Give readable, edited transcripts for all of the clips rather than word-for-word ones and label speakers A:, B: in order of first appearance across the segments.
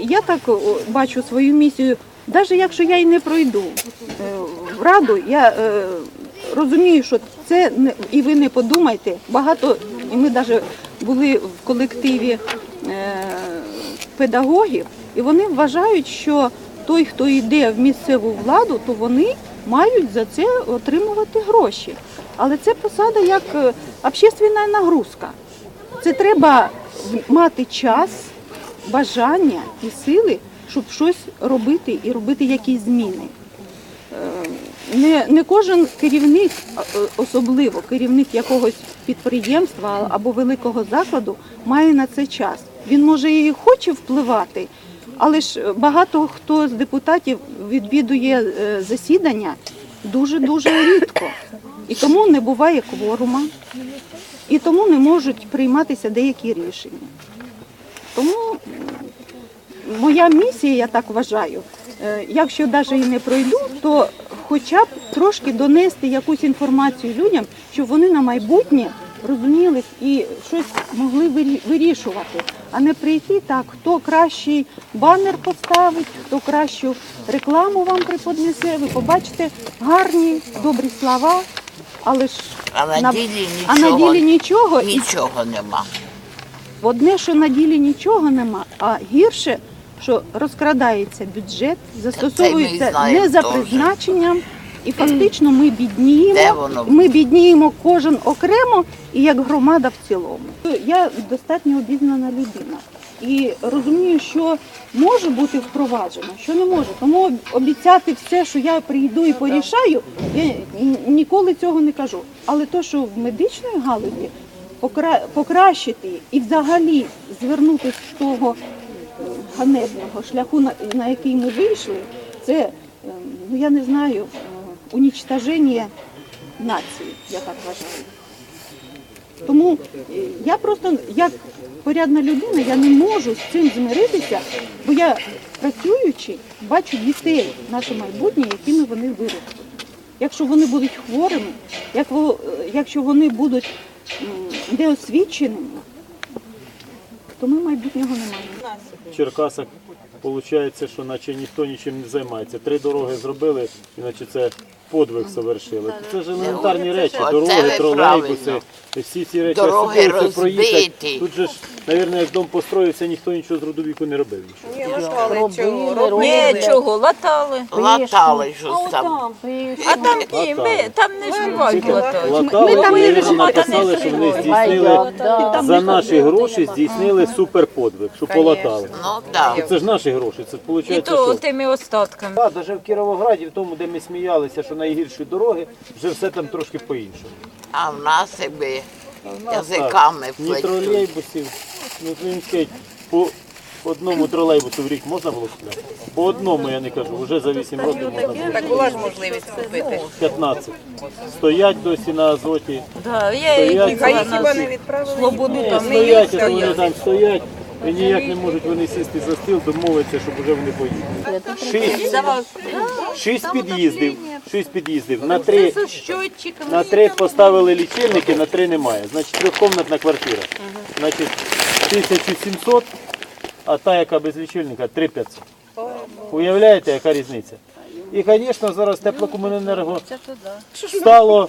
A: я так бачу свою місію, навіть якщо я і не пройду в Раду, я розумію, що це, і ви не подумайте, багато, і ми навіть були в колективі педагогів, і вони вважають, що той, хто йде в місцеву владу, то вони мають за це отримувати гроші. Але це посада як общественна нагрузка. Це треба мати час, бажання і сили, щоб щось робити і робити якісь зміни. Не кожен керівник, особливо керівник якогось підприємства або великого закладу, має на це час. Він може і хоче впливати, але ж багато хто з депутатів відвідує засідання дуже-дуже рідко. І тому не буває кворума, і тому не можуть прийматися деякі рішення. Тому моя місія, я так вважаю, якщо навіть і не пройду, то хоча б трошки донести якусь інформацію людям, щоб вони на майбутнє розуміли і щось могли вирішувати, а не прийти так, хто кращий банер поставить, хто кращу рекламу вам приподнесе, ви побачите гарні, добрі слова, але ж
B: на ділі
A: нічого
B: нема.
A: Одне, що на ділі нічого нема, а гірше, що розкрадається бюджет, застосовується не за призначенням, і фактично ми бідніємо кожен окремо і як громада в цілому. Я достатньо обізнана людина і розумію, що може бути впроваджено, що не може. Тому обіцяти все, що я прийду і порішаю, я ніколи цього не кажу. Але те, що в медичній галузі покращити і взагалі звернутися з того ганебного шляху, на який ми вийшли, це, я не знаю, унічтоження нації, я так вважаю. Тому я просто, як порядна людина, я не можу з цим змиритися, бо я, працюючи, бачу дітей, наше майбутнє, якими вони виросли. Якщо вони будуть хворими, якщо вони будуть неосвіченими, то ми майбутнього не маємо.
C: В Черкасах виходить, що наче ніхто нічим не займається. 3 дороги зробили, іначе це подвиг совершили. Це ж елементарні речі, дороги, тролейбуси, всі ці речі.
B: Дороги розбиті.
C: Тут же ж, мабуть, як дом построївся, ніхто нічого з роду віку не робив.
D: Нічого, латали.
B: Латали щось там.
D: А там ні, там не живуть латали.
C: Латали, і написали, що вони здійснили, за наші гроші здійснили суперподвиг, що полатали.
B: Ну, так.
C: Це ж наші гроші, це
D: І
C: виходить,
D: то
C: що...
D: тими остатками.
C: Так, навіть в Кіровограді, в тому, де ми сміялися, що найгірші дороги, вже все там трошки по-іншому.
B: А в нас якби язиками
C: Ні
B: плетуть.
C: тролейбусів, він сказать, по одному тролейбусу в рік можна було купляти? По одному, я не кажу, вже за 8 років можна було.
E: Так була ж можливість купити.
C: 15. Стоять досі на азоті.
D: Да, я їх
E: А їх
D: їхала
E: хіба не
D: на
E: відправили?
D: Свободу
C: Ні,
D: там.
C: стоять, а вони там стоять. І ніяк не можуть вони сісти за стіл, домовитися, щоб вже вони поїхали. 6 під'їздів. На 3 поставили лічильники, на 3 немає. Значить, 3-кімнатна квартира. Значить, 1700, а та, яка без лічильника, 3500. Уявляєте, яка різниця? І, звісно, зараз теплокомуненерго стало,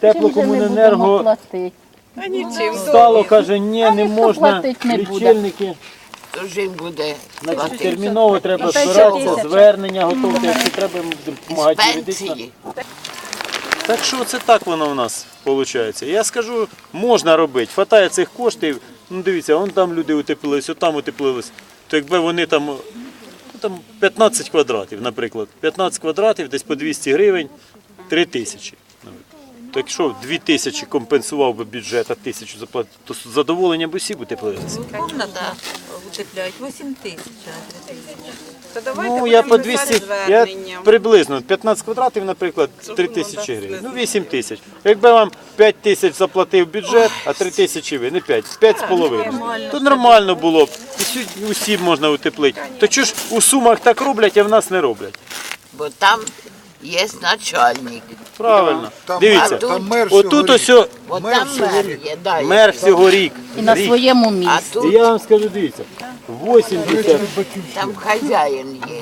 C: стало, каже, ні, не можна, лічильники.
B: Тож їм буде
C: Значить, терміново треба збиратися, звернення готувати, якщо треба, допомагати юридично.
B: пенсії.
C: Так що це так воно у нас виходить. Я скажу, можна робити, хватає цих коштів, ну дивіться, вон там люди утеплились, отам утеплились, то якби вони там 15 квадратів, наприклад, 15 квадратів, десь по 200 гривень, 3000. То якщо 2000 компенсував би бюджет, а 1000 заплатив, то з задоволенням б усі б утеплилися.
D: Комната утепляють 8 тисяч.
E: То давайте
C: Ну, я
E: будемо
C: по 200,
E: писати
C: я
E: звернення.
C: приблизно 15 квадратів, наприклад, 3000 гривень. Ну, 8000. Якби вам 5000 заплатив бюджет, а 3000 ви, не 5, 5,5. То нормально було б. І усі б можна утеплити. То чого ж у Сумах так роблять, а в нас не роблять?
B: Бо там є начальник.
C: Правильно.
F: Там
C: Дивіться,
F: там мер
C: отут ось
B: От там мер є, да,
C: мер всього рік.
G: І на своєму
B: А
G: місці.
B: тут
C: І я вам скажу, дивіться, 80,
B: Там хазяїн є.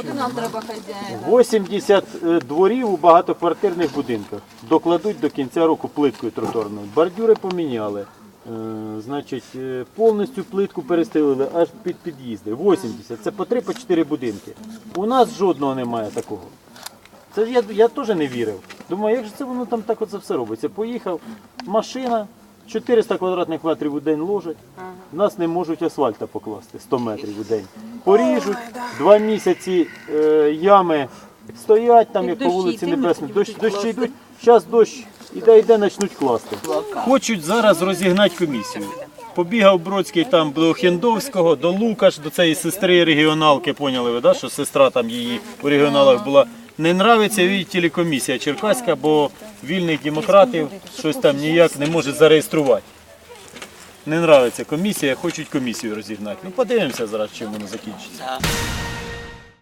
C: 80 дворів у багатоквартирних будинках. Докладуть до кінця року плиткою тротуарною. Бордюри поміняли. Значить, повністю плитку перестелили аж під під'їзди. 80. Це по 3-4 будинки. У нас жодного немає такого. Це я теж не вірив. Думаю, як же це воно там так оце все робиться? Поїхав, машина, 400 квадратних метрів у день ложать. Нас не можуть асфальта покласти, 100 метрів у день. Поріжуть, 2 місяці ями стоять там, як по вулиці Небесній. Дощі йдуть, зараз дощ іде, почнуть класти. Хочуть зараз розігнати комісію. Побігав Бродський там до Хендовського, до Лукаш, до цієї сестри регіоналки, поняли ви, да, що сестра там її у регіоналах була. Не нравиться їй телекомісія черкаська, бо вільних демократів щось там ніяк не може зареєструвати. Не нравиться комісія, хочуть комісію розігнати. Ну подивимося зараз, чим воно закінчиться.